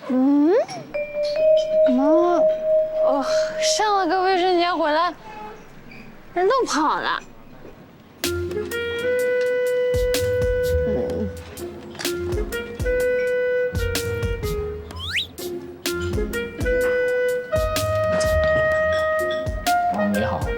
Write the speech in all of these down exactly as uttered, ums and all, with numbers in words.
嗯？妈，我上了个卫生间回来，人都跑了。嗯。 哦，你好。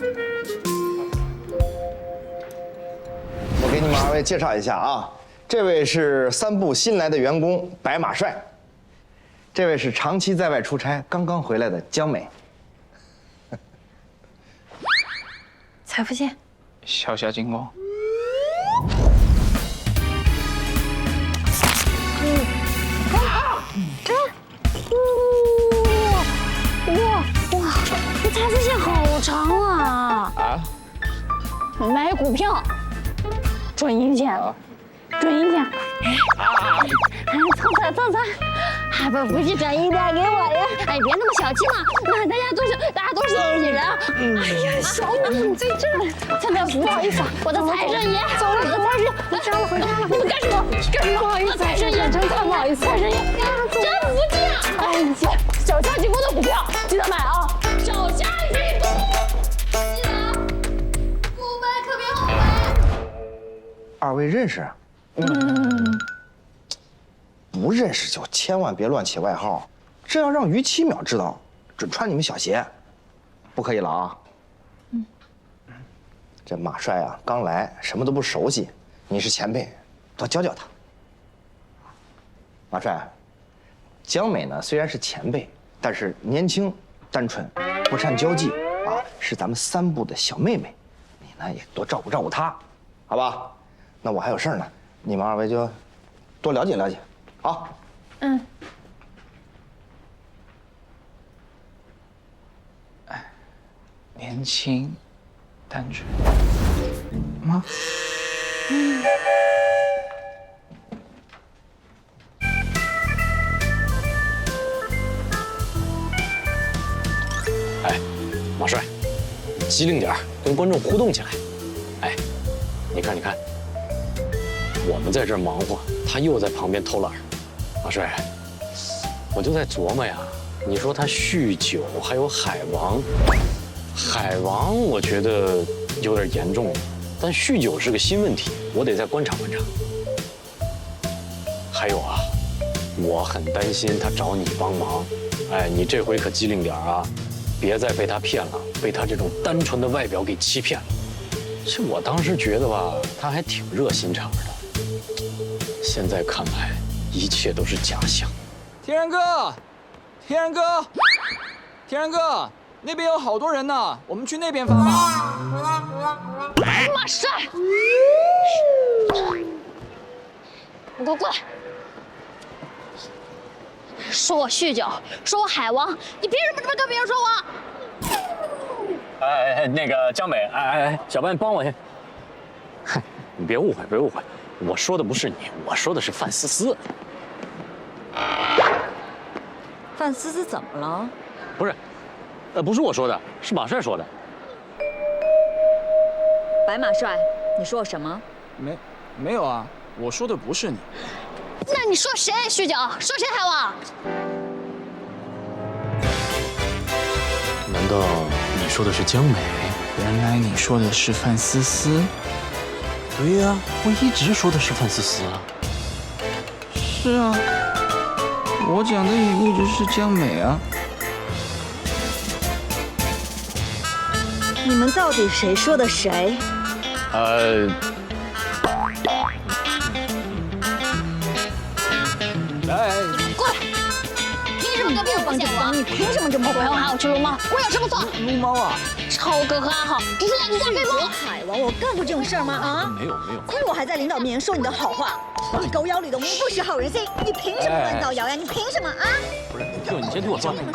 我给你们二位介绍一下啊，这位是三部新来的员工白马帅，这位是长期在外出差刚刚回来的江美。 财富线， 小侠金光。 哇哇，这财富线好长啊！啊？买股票。 准赢钱，准赢钱！哎，凑彩凑彩，还不不去转一点给我呀？哎，别那么小气嘛！那大家都是大家都是一起人。哎呀，小美你在这儿，真的不好意思啊，我的财神爷，走了，我的财神爷，回家了回家了。你们干什么？干什么？不好意思，财神爷，真太不好意思，财神爷，真服气啊！哎，你小虾金工的股票记得买啊！小虾金工。 二位认识？嗯，不认识就千万别乱起外号，这要让于七淼知道，准穿你们小鞋，不可以了啊！嗯，这马帅啊，刚来，什么都不熟悉，你是前辈，多教教他。马帅，江美呢虽然是前辈，但是年轻、单纯，不善交际啊，是咱们三部的小妹妹，你呢也多照顾照顾她，好吧？ 那我还有事儿呢，你们二位就多了解了解，好。嗯。 哎，年轻，单纯。妈。嗯。 哎，马帅，机灵点儿，跟观众互动起来。哎，你看，你看。 我们在这儿忙活，他又在旁边偷懒。马帅，我就在琢磨呀，你说他酗酒，还有海王，海王我觉得有点严重了，但酗酒是个新问题，我得再观察观察。还有啊，我很担心他找你帮忙，哎，你这回可机灵点啊，别再被他骗了，被他这种单纯的外表给欺骗了。这我当时觉得吧，他还挺热心肠的。 现在看来，一切都是假象。 天然哥，天然哥，天然哥，那边有好多人呢，我们去那边发吧。 马帅，你给我过来！说我酗酒，说我海王，你凭什么这么跟别人说我？ 哎哎，那个江美，哎哎哎，小白，你帮我去。嗨，你别误会，别误会。 我说的不是你，我说的是范思思。 范思思怎么了？ 不是，呃，不是我说的，是马帅说的。 白马帅，你说我什么？ 没，没有啊，我说的不是你。 那你说谁酗酒？说谁海王？ 难道你说的是江美？ 原来你说的是范思思。 对呀、啊，我一直说的是范思思啊。 是啊，我讲的也一直是江美啊。 你们到底谁说的谁？ 呃， 来， 过来！凭什么跟别人不讲我？ 你凭什么这么我要喊我去撸猫，我有什么错？ 撸猫啊！ 超哥和阿浩只是两只加菲猫。 海王，我干过这种事儿吗？啊？ 没有没有。 亏我还在领导面前说你的好话。你狗咬吕洞宾，不识好人心。你凭什么乱造谣呀？你凭什么啊？ 不是，就你先听我说。